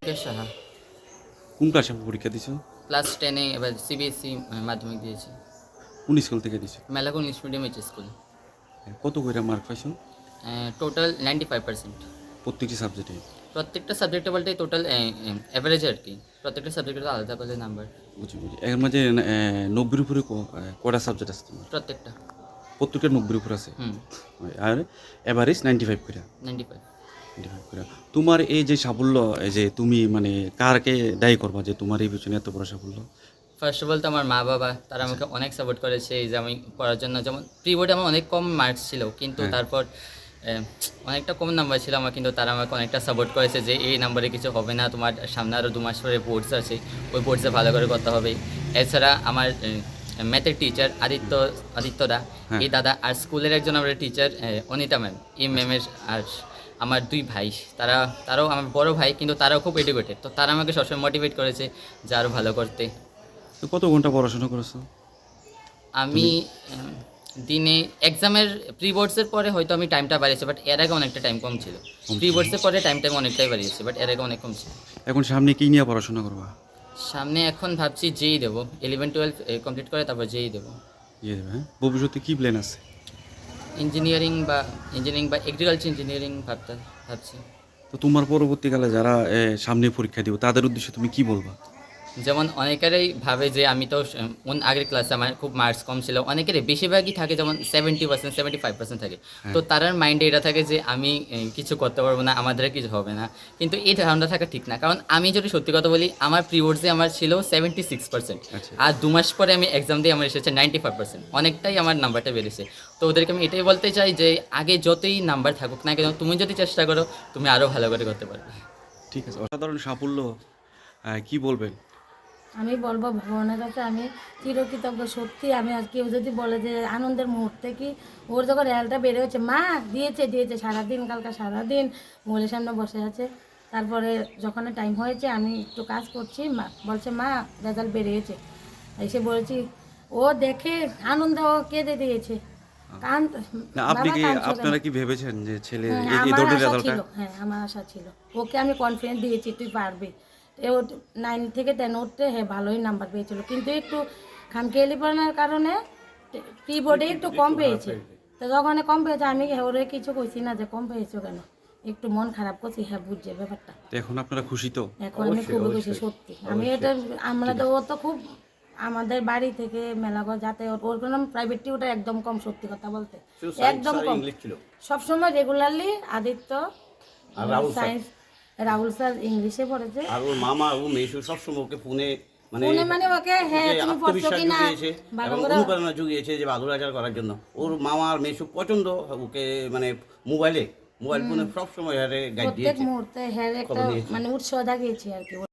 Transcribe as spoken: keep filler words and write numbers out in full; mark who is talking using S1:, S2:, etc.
S1: মুকেশ সাহা।
S2: কোন ক্লাসে পরীক্ষা দিছো?
S1: ক্লাস টেনে এবার সিবিএসসি মাধ্যমিক দিয়েছি।
S2: কোন স্কুল থেকে দিছো?
S1: মেলাকুন ইংলিশ মিডিয়াম এইচ স্কুল।
S2: কত কইরা মার্ক পাইছো
S1: টোটাল নাইনটি ফাইভ পার্সেন্ট।
S2: প্রত্যেকটি সাবজেক্টে?
S1: প্রত্যেকটা সাবজেক্টে বলতে টোটাল অ্যাভারেজ আর কি, প্রত্যেকটা সাবজেক্টের আলাদা আলাদা নাম্বার।
S2: বুঝি বুঝি এর মাঝে নব্বইয়ের উপরে ক- এ, কয়টা সাবজেক্ট আছে তোমার?
S1: প্রত্যেকটা।
S2: প্রত্যেকটা নব্বইয়ের উপর আছে।
S1: হুম।
S2: আর এভারেজ নাইনটি ফাইভ করে?
S1: Ninety five.
S2: নাইনটি ফাইভ করে। তোমার এই যে সাফল্য, এই যে তুমি মানে কারকে দায়ী করবা যে তোমার এই পিছনে এত বড় সাফল্য?
S1: ফার্স্ট অফ অল তো আমার মা বাবা, তারা আমাকে অনেক সাপোর্ট করেছে এই যে আমি পড়ার জন্য। যেমন প্রি বোর্ডে আমার অনেক কম মার্কস ছিল, কিন্তু
S2: হ্যাঁ।
S1: তারপর আহ, অনেকটা কম নাম্বার ছিল আমার, কিন্তু তারা আমাকে অনেকটা সাপোর্ট করেছে যে এই নাম্বারে কিছু হবে না, তোমার সামনে আরও দু মাস পরে বোর্ডস আছে, ওই বোর্ডসে ভালো করে করতে হবে। এছাড়া আমার ম্যাথের টিচার আদিত্য আদিত্যদা,
S2: হ্যাঁ।
S1: এই দাদা, আর স্কুলের একজন আমার টিচার অনিতা ম্যাম, এই ম্যামের, আর আমার দুই ভাই, তারা তারাও আমার বড় ভাই, কিন্তু তারাও খুব এডুকেটেড, তো তারা আমাকে সবসময় মোটিভেট করেছে যে আরও ভালো করতে।
S2: তো কত ঘন্টা পড়াশোনা করেছো?
S1: আমি উম, দিনে এক্সামের প্রি বোর্ডসের পরে হয়তো আমি টাইমটা বাড়িয়েছি, বাট এর আগে অনেকটা টাইম কম ছিল। প্রি বোর্ডসের পরে টাইম টাইম অনেকটাই বাড়িয়েছি, বাট এর আগে অনেক কম ছিল।
S2: এখন সামনে কি নিয়ে পড়াশোনা করবা?
S1: সামনে এখন ভাবছি যেই দেবো, ইলেভেন টুয়েলভ কমপ্লিট করে তারপর যেই দেবো।
S2: ইয়ে দেবে, হ্যাঁ? ভবিষ্যতে কি প্ল্যান আছে?
S1: ইঞ্জিনিয়ারিং বা ইঞ্জিনিয়ারিং বা এগ্রিকালচার ইঞ্জিনিয়ারিং ভাবতে ভাবছি।
S2: তো তোমার পরবর্তীকালে যারা এ, সামনে পরীক্ষা দিব তাদের উদ্দেশ্যে তুমি কি বলবা?
S1: যেমন অনেকেরই ভাবে যে আমি তো স- কোন আগের ক্লাসে আমার খুব মার্কস কম ছিল, অনেকেরই বেশিরভাগই থাকে যেমন seventy percent seventy five percent থাকে, তো তার মাইন্ডে এটা থাকে যে আমি এ, কিছু করতে পারবো না, আমাদের কিছু হবে না। কিন্তু এই ধারণা থাকা ঠিক না, কারণ আমি যদি সত্যি কথা বলি, আমার প্রি বোর্ডসে আমার ছিল সেভেন্টি সিক্স পার্সেন্ট,
S2: আচ্ছা।
S1: আর দু মাস পরে আমি এক্সাম দিয়ে আমার এসেছে নাইনটি ফাইভ পার্সেন্ট, অনেকটাই আমার নাম্বারটা বেড়েছে। তো ওদেরকে আমি এটাই বলতে চাই যে আগে যতই নাম্বার থাকুক না কেন, তুমি যদি চেষ্টা করো তুমি আরও ভালো করে করতে পারবে।
S2: ঠিক আছে, অসাধারণ সাফল্য। আহ, কি বলবেন?
S3: আমি বলবো ভগবানের কাছে আমি চিরকৃতজ্ঞ। সত্যি আমি আর কেউ যদি বলে যে আনন্দের মুহূর্তে কি, ওর যখন রেজাল্টটা বেড়ে হচ্ছে, মা দিয়েছে দিয়েছে সারাদিন, কালকে সারাদিন মোবাইলের সামনে বসে আছে। তারপরে যখন টাইম হয়েছে আমি একটু কাজ করছি, মা বলছে মা রেজাল্ট বেরিয়েছে। এসে বলেছি, ও দেখে আনন্দে ও কেঁদে দিয়েছে। কান
S2: না, আপনি
S3: বাবা
S2: কি
S3: কাঁদছো কেন?
S2: আপনারা কি ভেবেছেন যে ছেলে
S3: হুম,
S2: এই- এই
S3: আমার
S2: ধরনের
S3: আশা
S2: রেজাল্টটা?
S3: ছিল, হ্যাঁ আমার আশা ছিল। ওকে আমি কনফিডেন্স দিয়েছি তুই পারবি। এ ও নাইন থেকে টেন উঠতে হ্যাঁ ভালোই নাম্বার পেয়েছিল, কিন্তু একটু খামখেয়ালি পড়ানোর কারণে প্রি বোর্ডে একটু কম পেয়েছে। তো যখন কম পেয়েছে আমি ওরে কিছু কইছি না যে কম পেয়েছো কেন, একটু মন খারাপ করছি, হ্যাঁ বুঝছে ব্যাপারটা।
S2: তো এখন আপনারা খুশি তো?
S3: এখন আমি খুবই খুশি সত্যি। আমি এটা আমরা তো ও তো খুব আমাদের বাড়ি থেকে মেলাগড় যাতে ওর কোনো প্রাইভেট টিউটার একদম কম, সত্যি কথা বলতে একদম কম। সবসময় regularly Aditya science, Rahul sir ইংলিশে পড়েছে।
S4: আর ওর মামা ও মেসু সবসময় ওকে ফোনে মানে
S3: ফোনে মানে ওকে হ্যাঁ
S4: ওকে
S3: তুমি পড়ছো
S4: আত্মবিশ্বাস
S3: কিনা
S4: জুগিয়েছে
S3: ভালো
S4: এবং
S3: করে।
S4: অনুপ্রেরণা জুগিয়েছে যে ভালো রেজাল্ট করার জন্য। ওর মামা আর মেসু প্রচন্ড ওকে মানে মোবাইলে মোবাইল ফোনে সবসময় গাইড
S3: প্রত্যেক
S4: দিয়েছে।
S3: মুহূর্তে হ্যাঁ একটা
S4: খবর নিয়েছি।
S3: মানে উৎসাহ জাগিয়েছে আর কি।